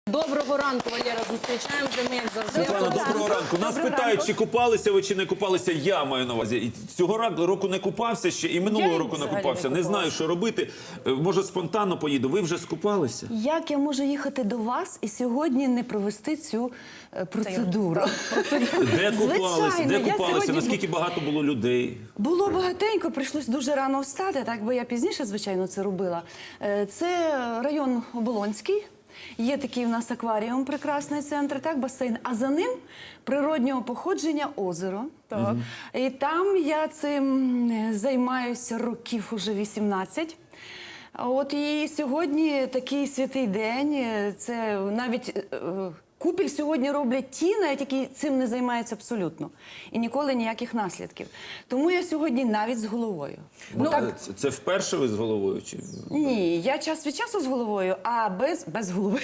Доброго ранку, Валера, зустрічаємо вже ми, як завжди. Світлана, доброго ранку. Нас питають, чи купалися ви, чи не купалися. Я маю на увазі. І цього року не купався ще, і минулого року не купався. Не знаю, що робити. Може, спонтанно поїду. Ви вже скупалися? Як я можу їхати до вас і сьогодні не провести цю процедуру? Де купалися? Де я купалися? сьогодні Наскільки багато було людей? Було багатенько, прийшлось дуже рано встати, так би я пізніше, звичайно, це робила. Це район Оболонський. Є такий у нас акваріум, прекрасний центр, так, басейн. А за ним природнього походження озеро. Так. І там я цим займаюся років уже 18. От і сьогодні такий святий день. Це навіть купіль сьогодні роблять ті, навіть які цим не займаються абсолютно. І ніколи ніяких наслідків. Тому я сьогодні навіть з головою. Це вперше ви з головою? Чи... Ні, я час від часу з головою, а без голови.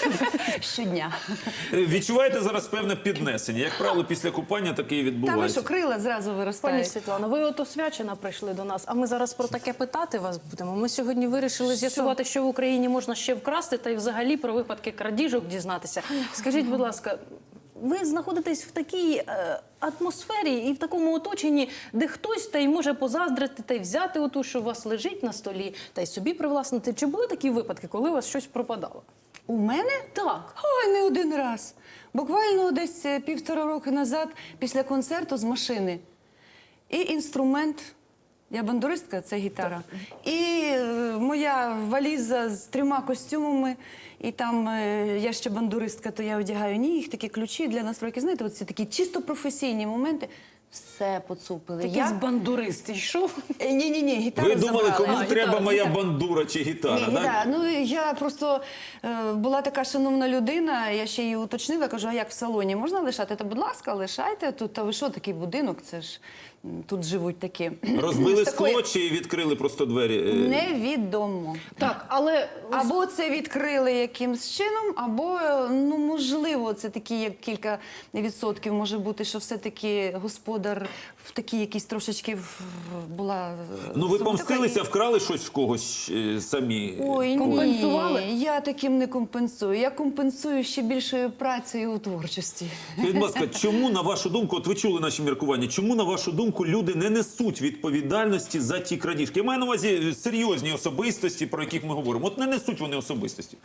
Щодня. Відчуваєте зараз певне піднесення? Як правило, після купання таке і Та ви відбувається. що, крила зразу Пані виростають? Світлано, ви от освячена прийшли до нас, а ми зараз про таке питати вас будемо. Ми сьогодні вирішили з'ясувати, що в Україні можна ще вкрасти, та й взагалі про випадки крадіжок дізнатися. Скажіть, будь ласка, ви знаходитесь в такій атмосфері і в такому оточенні, де хтось та й може позаздрити, та й взяти оту, що у вас лежить на столі, та й собі привласнити. Чи були такі випадки, коли у вас щось пропадало? У мене? Так. Ой, не один раз. Буквально десь 1,5 роки назад, після концерту з машини. І інструмент, я бандуристка, це гітара. І моя валіза з 3 костюмами. І там, я ще бандуристка, то я одягаю їх, такі ключі для настройки. Знаєте, оці такі чисто професійні моменти. Все поцупили. Такий бандурист йшов. Ні, гітару Ви думали, забрали. кому треба моя бандура чи гітара, Ні, так? да. Ну, я просто була така шановна людина, я ще її уточнила, кажу, а як в салоні можна лишати? Та, будь ласка, лишайте тут. Та ви що, такий будинок, це ж тут живуть такі. Розбили З такої- скло чи відкрили просто двері? Невідомо. Так, але Або це відкрили якимсь чином, або, ну, можливо, це такі, як кілька відсотків може бути, що все-таки господар в такій якійсь трошечки була... Ну, ви помстилися, вкрали щось в когось самі? Ой, Компенсували? ні, я таким не компенсую. Я компенсую ще більшою працею у творчості. Скажіть, будь ласка, чому, на вашу думку, от ви чули наші міркування, чому, на вашу думку, люди не несуть відповідальності за ті крадіжки? Я маю на увазі серйозні особистості, про яких ми говоримо. От не несуть вони особистості.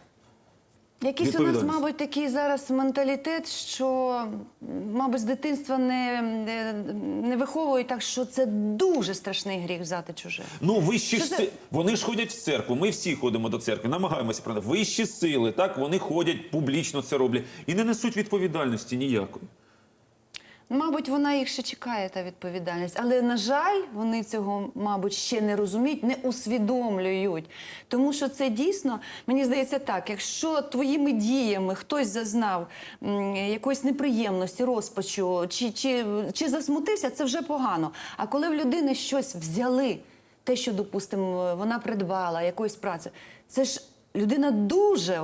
Якийсь у нас, мабуть, такий зараз менталітет, що, мабуть, з дитинства не виховують так, що це дуже страшний гріх взяти чуже. Ну, вищі вони ж ходять в церкву, ми всі ходимо до церкви, намагаємося про вищі сили, так, вони ходять, публічно це роблять і не несуть відповідальності ніякої. Мабуть, вона їх ще чекає, та відповідальність. Але, на жаль, вони цього, мабуть, ще не розуміють, не усвідомлюють. Тому що це дійсно, мені здається так, якщо твоїми діями хтось зазнав якоїсь неприємності, розпачу, чи засмутився, це вже погано. А коли в людини щось взяли, те, що, допустимо, вона придбала, якоїсь праці, це ж людина дуже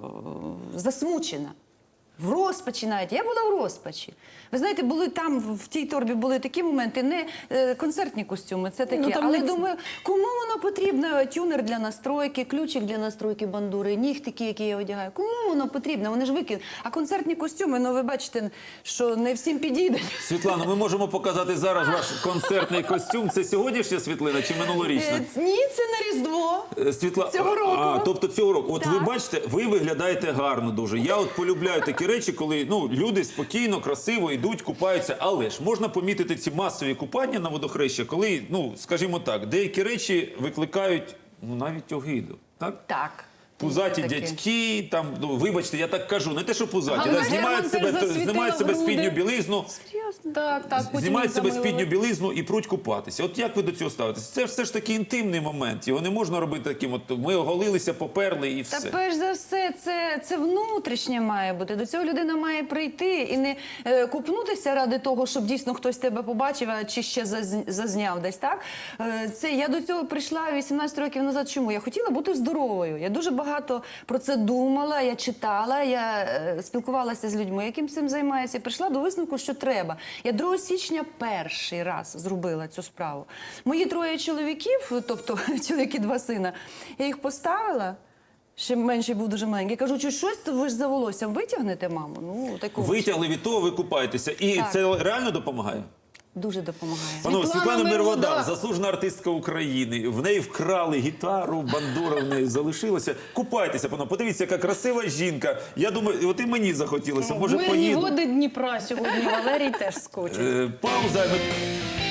засмучена. В розпачі навіть. Я була в розпачі. Ви знаєте, були там, в тій торбі були такі моменти, не концертні костюми, це таке. Ну, але думаю, кому воно потрібно? Тюнер для настройки, ключик для настройки бандури, нігтики, які я одягаю. Кому воно потрібно? Вони ж викинуть. А концертні костюми, ну ви бачите, що не всім підійде. Світлано, ми можемо показати зараз ваш концертний костюм. Це сьогоднішня світлина чи минулорічна? Ні, це на Різдво. Цього року. Тобто цього року. От Так. ви бачите, ви виглядаєте гарно дуже. Я от полюбляю такі речі, коли люди спокійно, красиво йдуть, купаються. Але ж можна помітити ці масові купання на водохреща, коли, скажімо так, деякі речі викликають навіть огиду. Так? Так. Пузаті Таке. дядьки, там, вибачте, я так кажу, не те, що пузаті, Але знімають себе спідню білизну, Серйозно? так, потім знімають себе замилили. спідню білизну і пруть купатися. От як ви до цього ставитесь? Це все ж таки інтимний момент, його не можна робити таким, от ми оголилися, поперли і все. Та перш за все, це внутрішнє має бути. До цього людина має прийти і не купнутися ради того, щоб дійсно хтось тебе побачив, чи ще зазняв десь, так? Я до цього прийшла 18 років назад. Чому? Я хотіла бути здоровою. Я дуже багато про це думала, я читала, я спілкувалася з людьми, яким цим займаються, і прийшла до висновку, що треба. Я 2 січня перший раз зробила цю справу. Мої 3 чоловіків, тобто чоловіки 2 сина, я їх поставила, ще менший був дуже маленький. Кажу, чи щось ви ж за волоссям витягнете, мамо? Ну, такого. Витягли від того, ви купаєтеся. І Так. це реально допомагає? Дуже допомагає. Панове, Світлана Світлана Мирода. Мирода, заслужена артистка України. В неї вкрали гітару, бандура в неї залишилася. Купайтеся, панове. Подивіться, яка красива жінка. Я думаю, от і мені захотілося. Може, Мирні поїду. води Дніпра сьогодні Валерій теж скочить. Пауза.